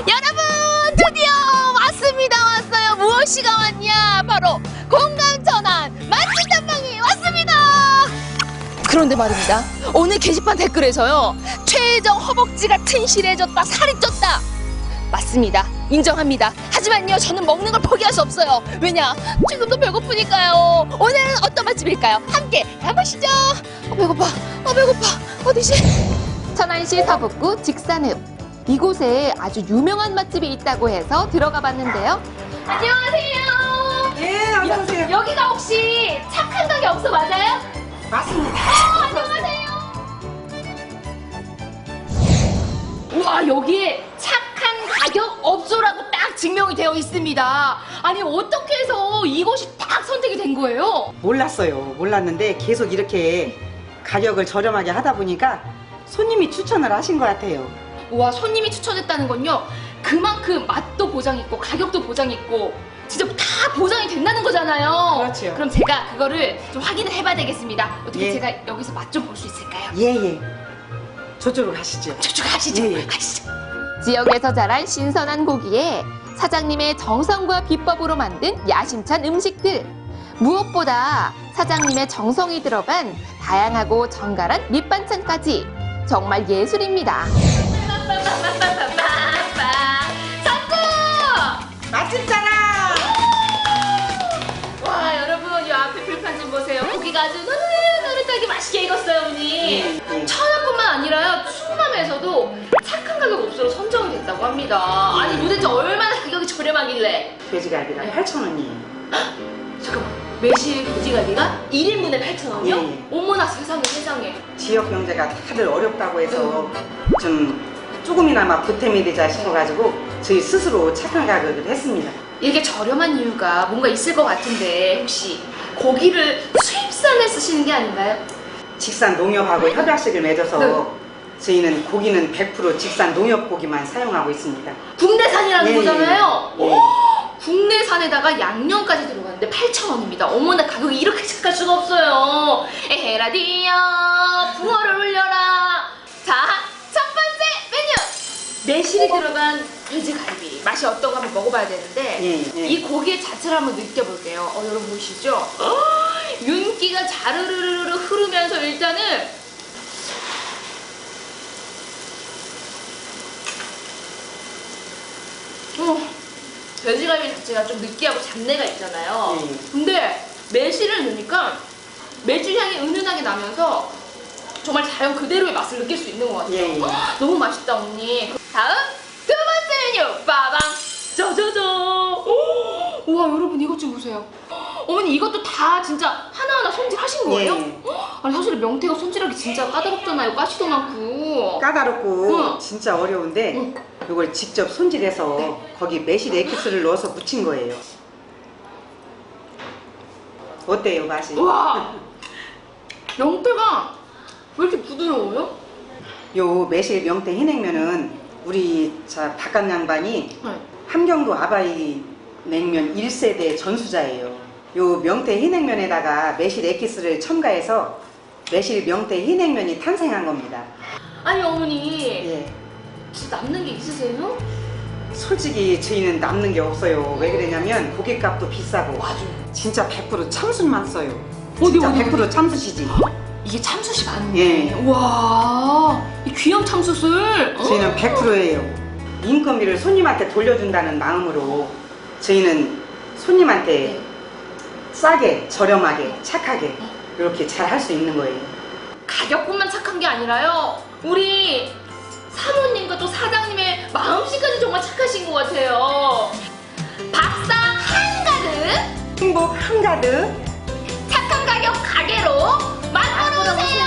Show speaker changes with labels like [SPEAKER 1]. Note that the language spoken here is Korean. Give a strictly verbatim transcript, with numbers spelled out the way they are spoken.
[SPEAKER 1] 여러분 드디어 왔습니다. 왔어요. 무엇이가 왔냐? 바로 공감전환 맛집 탐방이 왔습니다. 그런데 말입니다. 오늘 게시판 댓글에서요, 최혜정 허벅지가 튼실해졌다, 살이 쪘다. 맞습니다. 인정합니다. 하지만요, 저는 먹는 걸 포기할 수 없어요. 왜냐? 지금도 배고프니까요. 오늘은 어떤 맛집일까요? 함께 가보시죠. 어, 배고파. 어, 배고파. 어디지? 천안시 서북구 직산읍. 이곳에 아주 유명한 맛집이 있다고 해서 들어가 봤는데요. 안녕하세요.
[SPEAKER 2] 예, 어서오세요.
[SPEAKER 1] 여기가 혹시 착한 가게 없어 맞아요?
[SPEAKER 2] 맞습니다.
[SPEAKER 1] 어, 안녕하세요. 우와, 여기에 착한 가격 업소라고 딱 증명이 되어 있습니다. 아니, 어떻게 해서 이곳이 딱 선택이 된 거예요?
[SPEAKER 2] 몰랐어요. 몰랐는데 계속 이렇게 가격을 저렴하게 하다 보니까 손님이 추천을 하신 것 같아요.
[SPEAKER 1] 우와, 손님이 추천했다는 건요, 그만큼 맛도 보장있고 가격도 보장있고 진짜 다 보장이 된다는 거잖아요.
[SPEAKER 2] 그렇죠.
[SPEAKER 1] 그럼 제가 그거를 좀 확인을 해봐야 되겠습니다. 어떻게
[SPEAKER 2] 예.
[SPEAKER 1] 제가 여기서 맛 좀 볼 수 있을까요?
[SPEAKER 2] 예, 예. 저쪽으로 가시죠.
[SPEAKER 1] 저쪽 가시죠.
[SPEAKER 2] 예, 예.
[SPEAKER 1] 가시죠.
[SPEAKER 3] 지역에서 자란 신선한 고기에 사장님의 정성과 비법으로 만든 야심찬 음식들. 무엇보다 사장님의 정성이 들어간 다양하고 정갈한 밑반찬까지 정말 예술입니다.
[SPEAKER 2] 맛집 자랑!
[SPEAKER 1] 와, 여러분, 이 앞에 불판 좀 보세요. 고기가 아주 노릇노릇하게 맛있게 익었어요, 어머니.
[SPEAKER 2] 예, 예.
[SPEAKER 1] 천안뿐만 아니라요, 충남에서도 착한 가격 업소로 선정이 됐다고 합니다. 아니, 도대체 얼마나 가격이 저렴하길래?
[SPEAKER 2] 돼지갈비가 팔천 원이에요.
[SPEAKER 1] 잠깐만, 매실 돼지갈비가 일 인분에 팔천 원이요?
[SPEAKER 2] 예, 예.
[SPEAKER 1] 어머나, 세상에, 세상에.
[SPEAKER 2] 지역 경제가 다들 어렵다고 해서 좀 조금이나마 보탬이 되자 싶어가지고 저희 스스로 착한 가격을 했습니다.
[SPEAKER 1] 이게 저렴한 이유가 뭔가 있을 것 같은데, 혹시 고기를 수입산에 쓰시는 게 아닌가요?
[SPEAKER 2] 직산 농협하고 협약식을 맺어서
[SPEAKER 1] 네.
[SPEAKER 2] 저희는 고기는 백 퍼센트 직산 농협 고기만 사용하고 있습니다.
[SPEAKER 1] 국내산이라는
[SPEAKER 2] 예,
[SPEAKER 1] 거잖아요.
[SPEAKER 2] 예.
[SPEAKER 1] 오, 국내산에다가 양념까지 들어가는데 팔천 원입니다. 어머나, 가격이 이렇게 착할 수가 없어요. 에헤라디야, 붕어를 올려라. 자, 첫 번째 메뉴, 매실이 들어간 돼지갈비. 맛이 어떤가 한번 먹어봐야 되는데,
[SPEAKER 2] 예, 예.
[SPEAKER 1] 이 고기의 자체를 한번 느껴볼게요. 어, 여러분 보시죠? 어, 윤기가 자르르르르 흐르면서 일단은 어, 돼지갈비 자체가 좀 느끼하고 잡내가 있잖아요.
[SPEAKER 2] 예.
[SPEAKER 1] 근데 매실을 넣으니까 매실 향이 은은하게 나면서 정말 자연 그대로의 맛을 느낄 수 있는 것 같아요.
[SPEAKER 2] 예, 예.
[SPEAKER 1] 헉, 너무 맛있다, 언니. 다음 두 번째 메뉴, 빠방 짜자잔. 오, 우와, 여러분 이것 좀 보세요. 어머니, 이것도 다 진짜 하나하나 손질하신 거예요?
[SPEAKER 2] 예.
[SPEAKER 1] 헉, 아니, 사실 명태가 손질하기 진짜 까다롭잖아요. 가시도 많고.
[SPEAKER 2] 까다롭고
[SPEAKER 1] 응.
[SPEAKER 2] 진짜 어려운데
[SPEAKER 1] 응.
[SPEAKER 2] 이걸 직접 손질해서
[SPEAKER 1] 네.
[SPEAKER 2] 거기 매실 에키스를 넣어서 묻힌 거예요. 어때요, 맛이?
[SPEAKER 1] 우와, 명태가 왜 이렇게 부드러워요?
[SPEAKER 2] 요 매실 명태 흰냉면은 우리 자 바깥 양반이
[SPEAKER 1] 네.
[SPEAKER 2] 함경도 아바이 냉면 일 세대 전수자예요. 요 명태 흰냉면에다가 매실 에키스를 첨가해서 매실 명태 흰냉면이 탄생한 겁니다.
[SPEAKER 1] 아니, 어머니,
[SPEAKER 2] 예.
[SPEAKER 1] 진짜 남는 게 있으세요?
[SPEAKER 2] 솔직히 저희는 남는 게 없어요. 왜 그러냐면 고깃값도 비싸고
[SPEAKER 1] 맞아요.
[SPEAKER 2] 진짜 백 퍼센트 참숯만 써요.
[SPEAKER 1] 어디,
[SPEAKER 2] 진짜
[SPEAKER 1] 어디,
[SPEAKER 2] 백 퍼센트 참숯이지.
[SPEAKER 1] 이게 참숯이 맞네.
[SPEAKER 2] 예.
[SPEAKER 1] 와, 이 귀한 참숯을.
[SPEAKER 2] 저희는
[SPEAKER 1] 어?
[SPEAKER 2] 백 퍼센트예요. 인건비를 손님한테 돌려준다는 마음으로 저희는 손님한테
[SPEAKER 1] 네.
[SPEAKER 2] 싸게, 저렴하게, 착하게 이렇게 잘 할 수 있는 거예요.
[SPEAKER 1] 가격뿐만 착한 게 아니라요, 우리 사모님과 또 사장님의 마음씨까지 정말 착하신 것 같아요. 밥상 한가득,
[SPEAKER 2] 행복 한가득
[SPEAKER 1] 착한 가격 가게로 만들어 오세요.